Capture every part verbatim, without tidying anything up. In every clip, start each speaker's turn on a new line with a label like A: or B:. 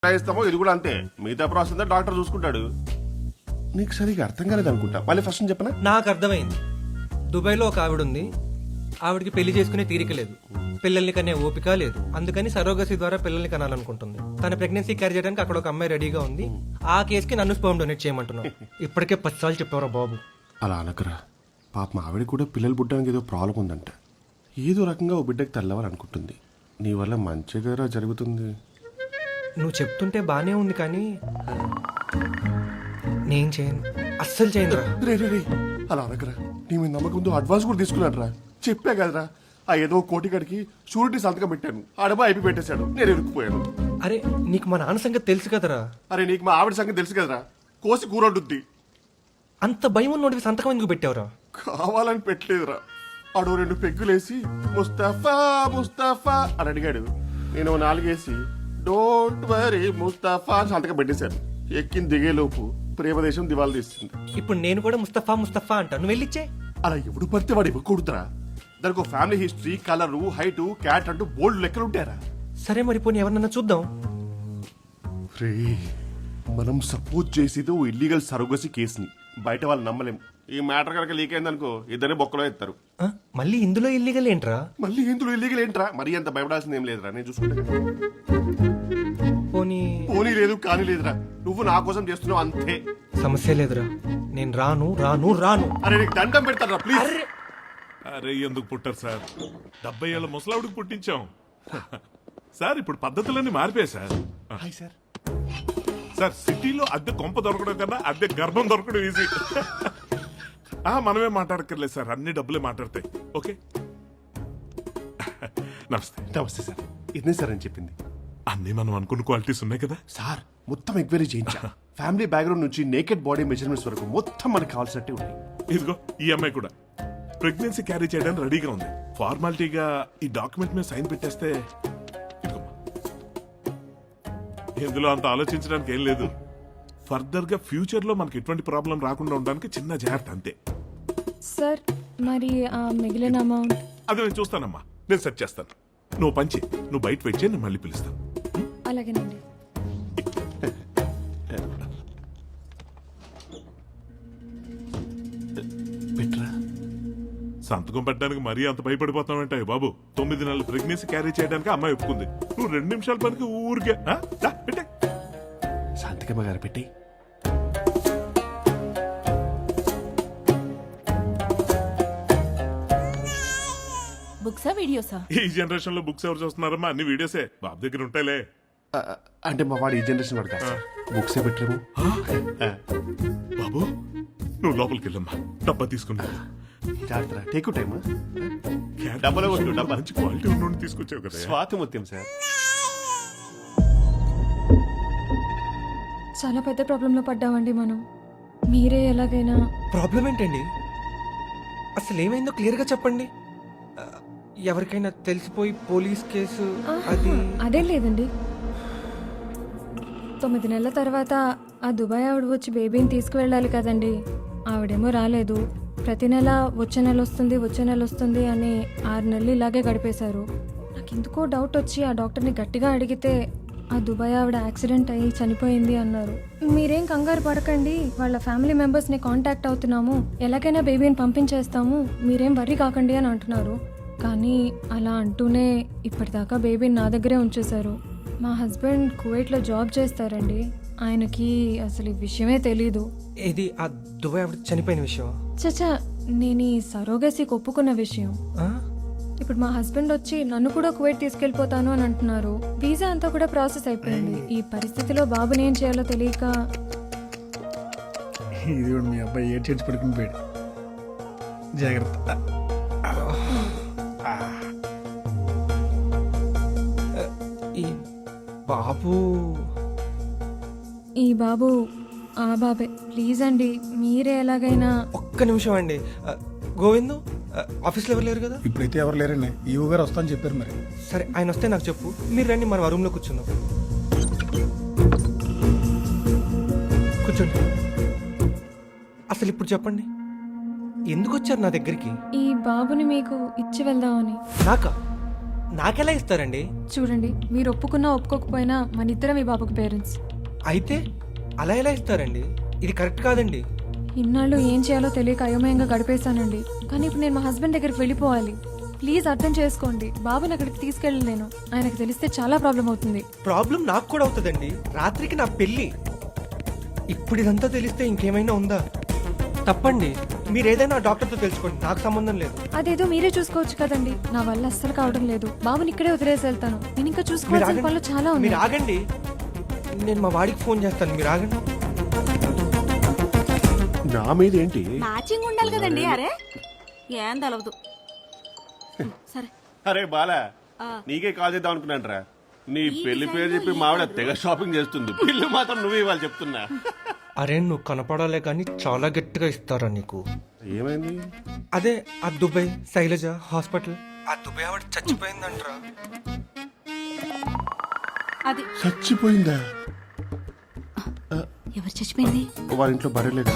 A: ఇస్తామో ఇది కూడా అంతే. మిగతా ప్రాసెస్ అంతా డాక్టర్ చూసుకుంటాడు. నీకు సరిగా అర్థం కాలేదు అనుకుంటా. మళ్ళీ ఫస్ట్ చెప్పనా?
B: నాకు అర్థమైంది. దుబాయ్లో ఒక ఆవిడ ఉంది. ఆవిడకి పెళ్లి చేసుకునే తీరిక లేదు, పిల్లల్ని కనే ఓపిక లేదు. అందుకని సరోగసి ద్వారా పిల్లల్ని కనాలనుకుంటుంది. తన ప్రెగ్నెన్సీ క్యారీ చేయడానికి అక్కడ ఒక అమ్మాయి రెడీగా ఉంది. ఆ కేసుకి నన్ను స్పర్మ్ డొనేట్ చేయమంటున్నావు. ఇప్పటికే పది సార్లు చెప్పారా బాబు.
A: అలా అనకరా. పాప మా ఆవిడ కూడా పిల్లలు పుట్టడానికి ఏదో ప్రాబ్లం ఉందంట. ఏదో రకంగా ఓ బిడ్డకి తల్లవాలనుకుంటుంది. నీ వల్ల మంచిగా జరుగుతుంది.
B: నువ్వు చెప్తుంటే బానే ఉంది కానీ నేను చేయను, అస్సలు చేయను రా.
A: రే రే రే అలా అనకరా. నీ మీద నమ్మకంతో అడ్వాన్స్ కూడా తీసుకున్నాడు రా. చెప్పా కదరా, ఆ ఏదో కోటికాడికి షూరిటీ సంతకం పెట్టాను. ఆడబా అయిపోయి పెట్టేశాడు. నేను ఇరుక్కుపోయాను.
B: అరే నీకు మా నాన్న సంగతి తెలుసు కదరా.
A: అరే నీకు మా ఆవిడ సంగతి తెలుసు కదరా. కోసి కూరొడ్డుద్ది.
B: అంత భయం ఉన్నోడివి సంతకం ఎందుకు పెట్టావురా?
A: కావాలని పెట్టలేదురా. ఆడు రెండు పెగ్గులేసి ముస్తఫా ముస్తఫా అని అడిగాడు. నేను నాలుగేసి డోంట్ వరీ ముస్తఫా అని సంతకం పెట్టేశాను. ఎక్కిన దిగేలోపు ప్రేమదేశం దివాళ తీస్తుంది.
B: ఇప్పుడు నేను కూడా ముస్తఫా ముస్తఫా అంటా, నువ్వు వెళ్ళిచ్చే.
A: అలా ఎవడు పడితే వాడు ఇవ్వకూడదురా. దానికి ఫ్యామిలీ హిస్టరీ, కలరు, హైటు, క్యాట్ అంటూ బోల్డ్ లెక్కలు ఉంటారా.
B: సరే మరి పోనీ ఎవరన్నా చూద్దాం.
A: రే మనం సపోజ్ చేసేది ఓ ఇల్లీగల్ సరోగసి కేసుని. బయట వాళ్ళు నమ్మలేం. ఈ మ్యాటర్ కనుక లీక్ అయిందనుకో ఇద్దరే బొక్కలో ఎత్తారు.
B: ఆ, మళ్ళీ ఇందులో ఇల్లీగల్ ఏంట్రా?
A: మళ్ళీ ఇందులో ఇల్లీగల్ ఏంట్రా? మరీ అంత భయపడాల్సింది ఏం లేదురా. నేను చూసుకుంటా.
B: పోనీ
A: పోనీ లేదు కానీ లేదురా. నువ్వు నా కోసం చేస్తున్నావు అంతే.
B: సమస్య లేదురా. నేను రాను రాను రాను.
A: అరే నీకు దండం పెడతారా ప్లీజ్.
B: అరే
C: అరే ఎందుకు పుట్టారు సార్? డెబ్బై ఏళ్ళ ముసలావిడికి పుట్టించాం సార్. ఇప్పుడు పద్ధతులన్నీ మారిపోయాయి సార్.
A: Hi sir.
C: సార్ సిటీలో అద్దె కొంప దొరకడం కన్నా అద్దె గర్భం దొరకడం ఈజీ. ఆ మనమే మాట్లాడక్కర్లేదు సార్, అన్ని డబ్బులే మాట్లాడతాయి. ఓకే నమస్తే.
A: నమస్తే సార్. ఇదే సార్ అని చెప్పింది.
C: అన్ని మనం అనుకున్న క్వాలిటీస్ ఉన్నాయి కదా
A: సార్. మొత్తం ఎంక్వైరీ చేయించా. ఫ్యామిలీ బ్యాక్గ్రౌండ్ నుంచి నేకెడ్ బాడీ మెజర్మెంట్స్ వరకు మొత్తం మనకు కావాల్సినట్టే ఉన్నాయి.
C: ఇదిగో ఈ అమ్మాయి కూడా ప్రెగ్నెన్సీ క్యారీ చేయడానికి రెడీగా ఉంది. ఫార్మాలిటీగా ఈ డాక్యుమెంట్ మీద సైన్ పెట్టేస్తే ఇదిగోమ్మా. ఇందులో అంత ఆలోచించడానికి ఏం లేదు. ఫర్దర్ గా ఫ్యూచర్ లో మనకి ఎటువంటి ప్రాబ్లం రాకుండా ఉండడానికి చిన్న జాగ్రత్త అంతే.
D: సార్ మరి ఆ మిగిలిన అమౌంట్?
C: అది నేను చూస్తానమ్మా, నేను సెట్ చేస్తాను. నువ్వు పంచి నువ్వు బయట వెయిట్ చేయి, నేను మళ్ళీ పిలుస్తాను.
D: అలాగేనండి.
A: పెట్రా.
C: సంతకం పెట్టడానికి మరీ అంత భయపడిపోతామంటే బాబు. తొమ్మిది నెలలు ప్రెగ్నెన్సీ క్యారీ చేయడానికి అమ్మాయి ఒప్పుకుంది. నువ్వు రెండు నిమిషాల పనికి ఊరికే ఆ? దా, పెట్టే.
A: శాంతికమ్మ గారు పెట్టి.
E: బుక్సా వీడియోసా?
C: ఈ జనరేషన్ లో బుక్స్ ఎవరు చూస్తున్నారమ్మా? అన్ని వీడియోసే. బాబు దగ్గర ఉంటాయిలే.
A: అంటే మా వాడు ఈ జనరేషన్ వాడు కాదు సార్. బుక్స్ పెట్టలేము.
C: బాబు నువ్వు లోపలికి వెళ్ళమ్మా, డబ్బా తీసుకున్నా.
A: జాగ్రత్త. Take time.
C: డబ్బాలో కొట్టు, డబ్బా మంచి క్వాలిటీ ఉన్న తీసుకొచ్చావు కదా.
A: స్వాతి ముత్యం సార్.
D: చాలా పెద్ద ప్రాబ్లంలో పడ్డామండి మనం. మీరే ఎలాగైనా.
B: ప్రాబ్లం ఏంటండి? అసలు ఏమైందో క్లియర్ గా చెప్పండి. ఆ, ఎవరికైనా తెలిసిపోయి పోలీస్ కేసు అది.
D: అదేం లేదండి. తొమ్మిది నెలల తర్వాత ఆ దుబాయ్ ఆవిడ వచ్చి బేబీని తీసుకువెళ్ళాలి కదండి. ఆవిడేమో రాలేదు. ప్రతి నెల వచ్చే నెల వస్తుంది వచ్చే నెల వస్తుంది అని ఆరు నెలలు ఇలాగే గడిపేశారు. నాకు ఎందుకో డౌట్ వచ్చి ఆ డాక్టర్ని గట్టిగా అడిగితే ఆ దుబాయ్ ఆవిడ యాక్సిడెంట్ అయ్యి చనిపోయింది అన్నారు. మీరేం కంగారు పడకండి, వాళ్ళ ఫ్యామిలీ మెంబర్స్ని కాంటాక్ట్ అవుతున్నాము, ఎలాగైనా బేబీని పంపించేస్తాము, మీరేం వర్రీ కాకండి అని అంటున్నారు. కానీ అలా అంటూనే ఇప్పటిదాకా బేబీని నా దగ్గరే ఉంచేశారు. మా హస్బెండ్ కువైట్లో జాబ్ చేస్తారండి. ఆయనకి అసలు ఈ విషయమే తెలీదు.
B: ఇది ఆ దుబాయ్ ఆవిడ చనిపోయిన విషయం.
D: చచ్చా, నేను ఈ సరోగసికి ఒప్పుకున్న విషయం.
B: ఆ?
D: ఇప్పుడు మా హస్బెండ్ వచ్చి నన్ను కూడా కువైట్ తీసుకెళ్లిపోతాను అని అంటున్నారు. వీసా అంతా కూడా ప్రాసెస్ అయిపోయింది. ఈ పరిస్థితిలో బాబుని ఏం చేయాలో తెలియక.
F: ఇది కూడా మీ అబ్బాయి ఏడ్ చేసి పడుకుని పోయాడు. జాగ్రత్త.
B: ఈ బాబు
D: ఈ బాబు ఆ బాబే. ప్లీజ్ అండి, మీరే ఎలాగైనా.
B: ఒక్క నిమిషం అండి. ఆ, గోవిందు ఆ, ఆఫీస్లో ఎవరు లేరు కదా?
F: ఇప్పుడైతే ఎవరు లేరండి. ఈవో గారు వస్తా అని చెప్పారు. మరి
B: సరే ఆయన వస్తే నాకు చెప్పు. మీరు రండి, మనం ఆ రూమ్లో కూర్చుందాం. కూర్చోండి. అసలు ఇప్పుడు చెప్పండి, ఎందుకు వచ్చారు నా దగ్గరికి?
D: ఈ బాబుని మీకు ఇచ్చి వెళ్దామని.
B: నాకా? నాకెలా ఇస్తారండి?
D: చూడండి, మీరు ఒప్పుకున్నా ఒప్పుకోకపోయినా మన ఇద్దరం ఈ బాబుకు పేరెంట్స్.
B: అయితే అలా ఎలా ఇస్తారండి? ఇది కరెక్ట్ కాదండి.
D: ఇన్నాళ్ళు ఏం చేయాలో తెలియక అయోమయంగా గడిపేశానండి. కానీ ఇప్పుడు నేను మా హస్బెండ్ దగ్గరికి వెళ్ళిపోవాలి. ప్లీజ్ అర్థం చేసుకోండి. బాబుని అక్కడికి తీసుకెళ్ళలేను. ఆయనకు తెలిస్తే చాలా ప్రాబ్లం అవుతుంది.
B: ప్రాబ్లం నాకు కూడా అవుతుందండి. రాత్రికి నా పెళ్లి. ఇప్పుడు ఇదంతా తెలిస్తే ఇంకేమైనా ఉందా? తప్పండి. మీరు ఏదైనా డాక్టర్తో తెలుసుకోండి, నాకు సంబంధం లేదు.
D: అదేదో మీరే చూసుకోవచ్చు కదండి. నా వల్ల అస్సలు కావడం లేదు. బాబుని ఇక్కడే వదిలేసి వెళ్తాను. నేను ఇంకా
B: మీరు
D: చూసుకోవాల్సిన
B: ఆగండి.
D: పనులు చాలా
B: మీరు
D: ఉన్నాయి.
B: ఆగండి. నేను మా వాడికి ఫోన్ చేస్తాను, మీరు ఆగండి.
A: నా మీద ఏంటి?
E: మ్యాచింగ్ ఉండాలి కదండి. అరే ఏం తెలవదు. సరే
A: అరే బాలా, నీకే కాల్ చేద్దాం అనుకున్నాను రా. నీ పెళ్లి పేరు చెప్పి మావిడ తెగ షాపింగ్ చేస్తుంది. బిల్లు మాత్రం నువ్వు ఇవ్వాలి చెప్తున్నా.
B: అరే నువ్వు కనపడాలే కానీ చాలా గట్టిగా ఇస్తారా నీకు?
A: ఏమైంది?
B: అదే ఆ దుబాయ్ శైలజ హాస్పిటల్. ఆ దుబాయ్ ఆవిడ చచ్చిపోయిందంటరా.
E: అది
A: చచ్చిపోయిందా?
E: ఎవరు చచ్చిపోయింది?
A: వాళ్ళ ఇంట్లో బర్రెలేదు.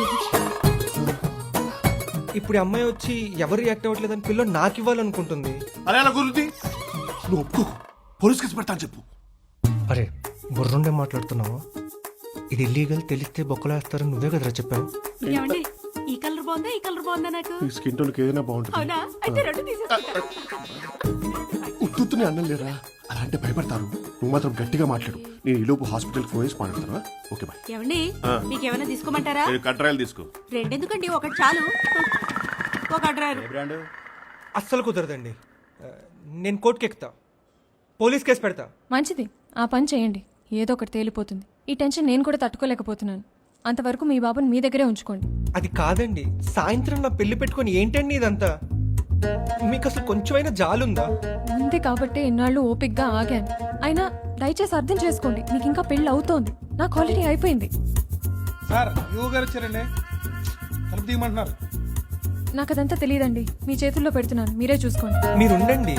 B: ఇప్పుడు ఈ అమ్మాయి వచ్చి ఎవరు రియాక్ట్ అవ్వట్లేదని పిల్ల నాకు ఇవ్వాలనుకుంటుంది.
A: అరే అలా గురుతి, నువ్వు ఒప్పుకో, పోలీస్ కేసు పెడతాను చెప్పు.
B: అరే బుర్రుండే మాట్లాడుతున్నావా? ఇది ఇల్లీగల్, తెలిస్తే బొక్కలు వేస్తారని నువ్వే కదరా చెప్పావు.
E: ఏమండి, ఈ కలర్ బాగుందా ఈ కలర్ బాగుందా? నాకు
A: ఈ స్కిన్ టోన్కి ఏదైనా బాగుంటుంది.
E: అవునా? అయితే రెండు తీసేస్తా.
A: ఉత్తునే అన్నం లేరా, అలా అంటే భయపడతారు. నువ్వు మాత్రం గట్టిగా మాట్లాడు. నేను ఈ లోపు హాస్పిటల్ ఫోన్ చేసి మాట్లాడతావా? Okay bye.
E: ఏమండి, మీకేమైనా తీసుకోమంటారా?
A: కట్రాయలు తీసుకో.
E: రెండెందుకండి, ఒకటి చాలు. ఒక అడ్రారు.
B: అస్సలు కుదరదండి. ఆ, నేను కోర్టుకి ఎక్కుతా, పోలీస్ కేసు పెడతా.
D: మంచిది, ఆ పని చేయండి. ఏదో ఒకటి తేలిపోతుంది. ఈ టెన్షన్ నేను కూడా తట్టుకోలేకపోతున్నాను. అంతవరకు మీ బాబుని మీ దగ్గరే ఉంచుకోండి.
B: అది కాదండి, సాయంత్రం నా పెళ్లి పెట్టుకొని ఏంటండి ఇదంతా? మీకు అసలు కొంచెమైనా జాలుందా?
D: ఉంది కాబట్టి ఇన్నాళ్ళు ఓపిక్గా ఆగాను. అయినా దయచేసి అర్థం చేసుకోండి. మీకు ఇంకా పెళ్లి అవుతోంది, నాకు ఆల్రెడీ అయిపోయింది.
F: సార్ యూ గారు వచ్చారండి, తలుపు తీయమంటున్నారు.
D: నాకు అదంతా తెలియదండి. మీ చేతుల్లో పెడుతున్నాను, మీరే చూసుకోండి.
B: మీరు ఉండండి.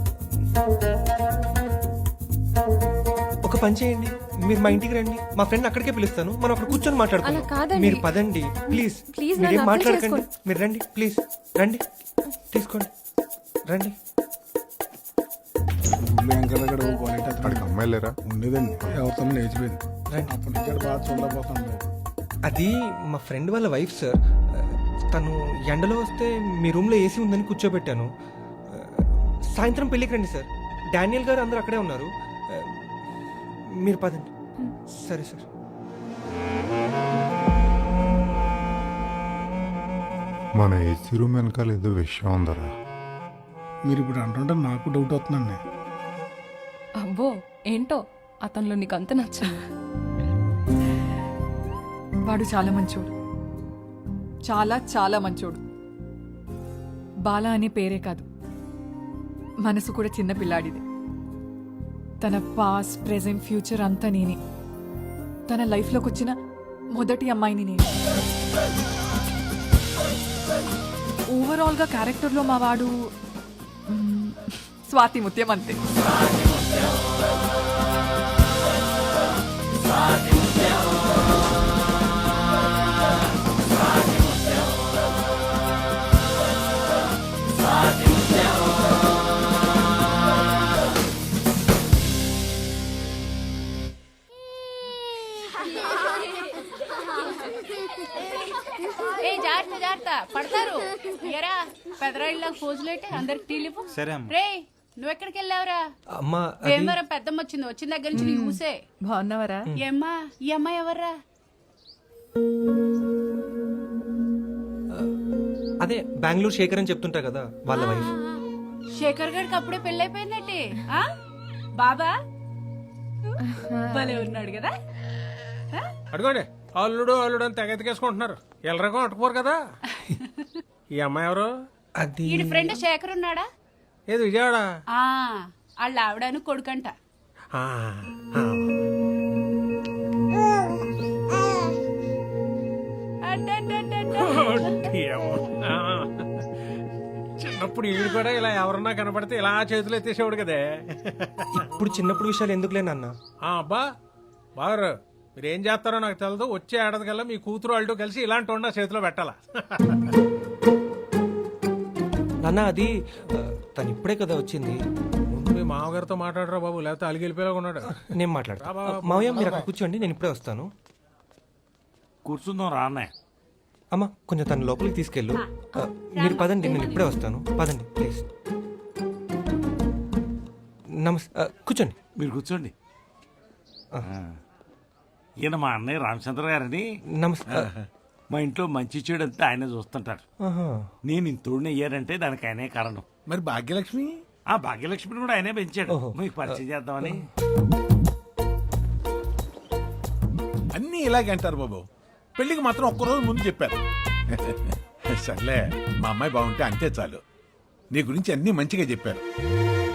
B: ఒక పని చేయండి, మీరు మా ఇంటికి రండి. మా ఫ్రెండ్ అక్కడికే పిలుస్తాను, మనం అక్కడ కూర్చొని
D: అలా
B: మాట్లాడుకుందాం.
D: కాదండి.
B: మీరు పదండి ప్లీజ్.
D: ప్లీజ్
B: మీరేం
D: నన్ను అర్థం
B: మాట్లాడకండి,
D: చేసుకోండి.
B: మీరు రండి ప్లీజ్. రండి, తీసుకోండి, రండి.
F: వెంకటగడ క్వాలిటీ
G: అక్కడికి అమ్మాయి లేరా?
F: ఉండేదండి, ఎవరితో లేచిపోయింది.
B: రండి.
F: అప్పటి నుంచి ఆడు బాగా చూడలేకపోతాను.
B: అది మా ఫ్రెండ్ వాళ్ళ వైఫ్ సార్. తను ఎండలో వస్తే మీ రూమ్లో ఏసీ ఉందని కూర్చోబెట్టాను. సాయంత్రం పెళ్ళికి రండి సార్. డానియల్ గారు అందరూ అక్కడే ఉన్నారు. మీరు పదండి. సరే సార్.
G: మన ఏసీ రూమ్ వెనకాల ఏదో విషయం ఉందరా.
F: మీరు ఇప్పుడు అంటుంటే నాకు డౌట్ అవుతుందండి.
H: అబ్బో ఏంటో అతనిలో నీకు అంత నచ్చింది. వాడు చాలా మంచోడు, చాలా చాలా మంచోడు. బాల అనే పేరే కాదు, మనసు కూడా చిన్న పిల్లాడిదే. తన పాస్ట్ ప్రెజెంట్ ఫ్యూచర్ అంతా నేనే. తన లైఫ్లోకి వచ్చిన మొదటి అమ్మాయిని నేను. ఓవరాల్గా క్యారెక్టర్లో మా వాడు మ్, స్వాతి ముత్యం అంతే.
E: ఏ జాగ్రత్త జాగ్రత్త పడతారు. ఎరా పెదరాయిళ్ళకి పోజులేటే అందరికి టీలిపు.
I: సరే
E: రే నువ్వు ఎక్కడికి వెళ్ళావురా?
B: అమ్మా అది-
E: భీమవరం పెద్దమ్మ వచ్చింది, వచ్చిన దగ్గర నుంచి నీకు ఊసే.
H: బాగున్నావరా?
E: ఏమ్మా ఈ అమ్మాయి ఎవర్రా?
B: అదే బెంగళూరు శేఖర్ అని చెప్తుంటా కదా, వాళ్ళ వైఫ్.
E: శేఖర్ గడికి అప్పుడే పెళ్ళైపోయిందటి. ఆ బాబా భలే ఉన్నాడు కదా.
J: అడుగోండి, అల్లుడు అల్లుడు అని తెగ ఎత్తుకేసుకుంటున్నారు. ఎల్లరకం అట్టుకోరు కదా. ఈ అమ్మాయి ఎవరు?
B: అది
E: ఈడి ఫ్రెండ్ శేఖర్ ఉన్నాడా?
J: ఏది విజయవాడ?
E: ఆ వాళ్ళ ఆవిడను కొడుకంట.
J: ఆ, ఆ.
E: అడ్డడ్డడ్డడ్డ.
J: ఏమో. ఆ. చిన్నప్పుడు ఈడు కూడా ఇలా ఎవరన్నా కనపడితే ఇలా చేతులు ఎత్తేసేవాడు కదే.
B: ఇప్పుడు చిన్నప్పుడు విషయాలు ఎందుకులే నాన్న.
J: ఆ, అబ్బా బాగారు మీరు ఏం చేస్తారో నాకు తెలదు. వచ్చే ఏడాది కల్లా మీ కూతురు వాళ్ళు కలిసి ఇలాంటి వండ చేతిలో పెట్టాలా.
B: అన్న అది ఆ, తను ఇప్పుడే కదా వచ్చింది.
J: ముందు మీ మామగారితో మాట్లాడరా బాబు, లేకపోతే అలిగి వెళ్ళిపోయేలా ఉన్నాడు.
B: నేను మాట్లాడతా. మావయ్య మీరు అక్కడ కూర్చోండి, నేను ఇప్పుడే వస్తాను.
I: కూర్చుందాం రా అన్నయ్య.
B: అమ్మ కొంచెం తను లోపలికి తీసుకెళ్ళు. ఆ, మీరు పదండి, నేను ఇప్పుడే వస్తాను. పదండి ప్లీజ్. నమస్తే. ఆ, కూర్చోండి.
I: మీరు కూర్చోండి. ఆ. ఈయన మా అన్నయ్య రామచంద్ర గారని.
B: నమస్తే. ఆ,
I: మా ఇంట్లో మంచి చెడు అంతా ఆయనే చూస్తుంటారు.
B: ఆహా.
I: నేను ఇంతోడిని అయ్యారంటే దానికి ఆయనే కారణం.
F: మరి భాగ్యలక్ష్మి
I: ఆ భాగ్యలక్ష్మిని కూడా ఆయనే పెంచాడు.
B: ఓహో.
I: మీకు పరిచయం చేద్దామని.
F: అన్నీ ఇలాగే అంటారు బాబు. పెళ్లికి మాత్రం ఒక్కరోజు ముందు చెప్పారు. సర్లే, మా అమ్మాయి బాగుంటే అంతే చాలు. నీ గురించి అన్నీ మంచిగా చెప్పారు.